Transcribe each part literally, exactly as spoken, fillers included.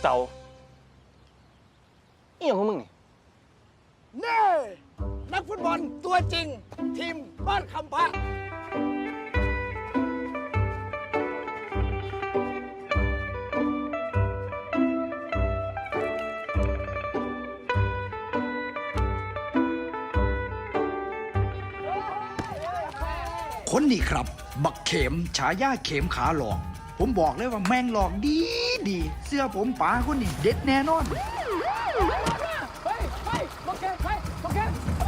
เต๋าเอี่ยงของมึงนี่เน่นักฟุตบอลตัวจริง ทีมบ้านคำพระคนนี้ครับบักเข็มฉายาเข็มขาหลอกผมบอกเลยว่าแมงหลอกดีดีเสื้อผมป๋าคนนี้เด็ดแน่นอนเฮ้ยเฮ้ยโอเคเฮ้ยโอเค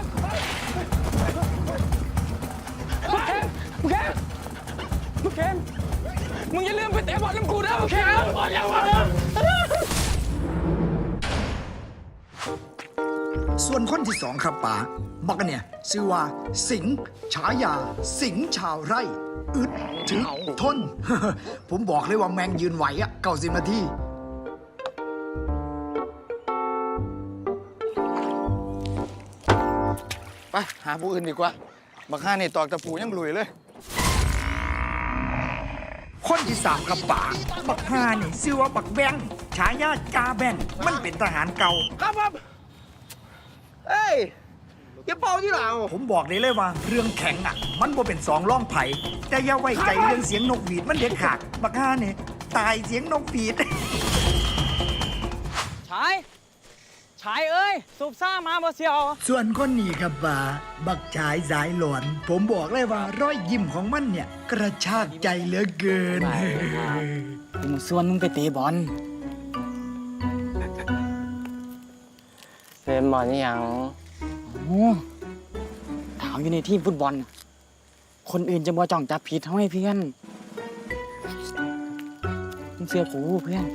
โอเคโอเคโอเคมึงอย่าลืมไปเตะบอลน้ำกูนะโอเคบอลอย่าวะส่วนคนที่สองครับป๋าบักเนี่ยชื่อว่าสิงห์ฉายาสิงห์ชาวไร่อึดถึงทน ผมบอกเลยว่าแมงยืนไหวอะเก้าสิบนาทีไปหาผู้อื่นดีกว่าบักห้านี่ตอกตะปูยังลุยเลยคนที่สามกับป๋าบักฮานี่ชื่อว่าบักแบงฉายาจาแบงมันเป็นทหารเก่าครับผมเอ้ยอย่าเป่าที่หลังผมบอกได้เลยว่าเรื่องแข็งอ่ะมันบ่เป็นสองร่องไผ่แต่อย่าไว้ใจเรื่องเสียงนกหวีดมันเด็ดขาดบักฮานี่ตายเสียงนกหวีดชายชายเอ้ยสูบซ่ามาบ่เสียวส่วนคนนี้ครับบ่าบักชายสายหลอนผมบอกเลยว่ารอยยิ้มของมันเนี่ยกระชากใจเหลือเกินมึงส่วนมึงไปเตะบอลเตะบอลยังโอ้ถามอยู่ในทีมฟุตบอลคนอื่นจะมาจ้องจับผิดทำไมเพื่อนมึงเชื่อกูเพื่อน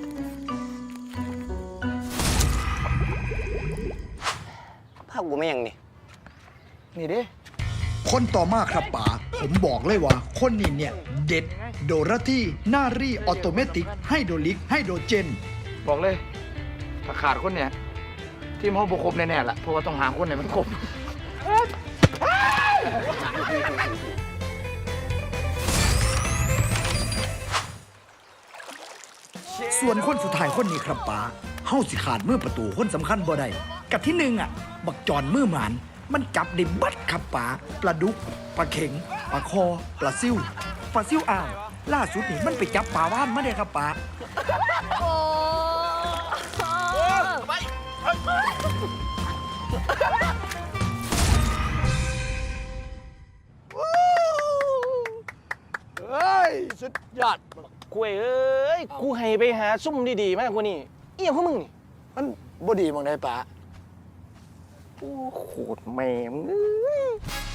ภาพกูไม่ยังนี่นี่ดิคนต่อมาครับป๋าผมบอกเลยว่าคนนี้เนี่ยเด็ดโดราที่นารีออโตเมติกไฮโดรลิกไฮโดรเจนบอกเลยถ้าขาดคนเนี่ยทีมเขาบุกครบแน่ๆละเพราะว่าต้องหาคนไหนมันครบส่วนคนสุดท้ายคนนี้ครับป๋าเฮาสิขาดมือประตูคนสำคัญบ่ได้กับที่หนึ่งอ่ะบักจอนมือหมานมันจับได้บัดครับป๋าปลาดุกปลาเข็งปลาคอปลาซิ่วปลาซิ่วอ่าวล่าสุดนี่มันไปจับปลาว่านมาได้ครับป๋าโอ้ไปเฮ้ยสุดยอดกูเอ้ยกูให้ไปหาซุ่มดีๆมากกว่านี้เอี่ยงของมึงนี่มันบ่ดีมองได้ปะโอ้โหแม่มึง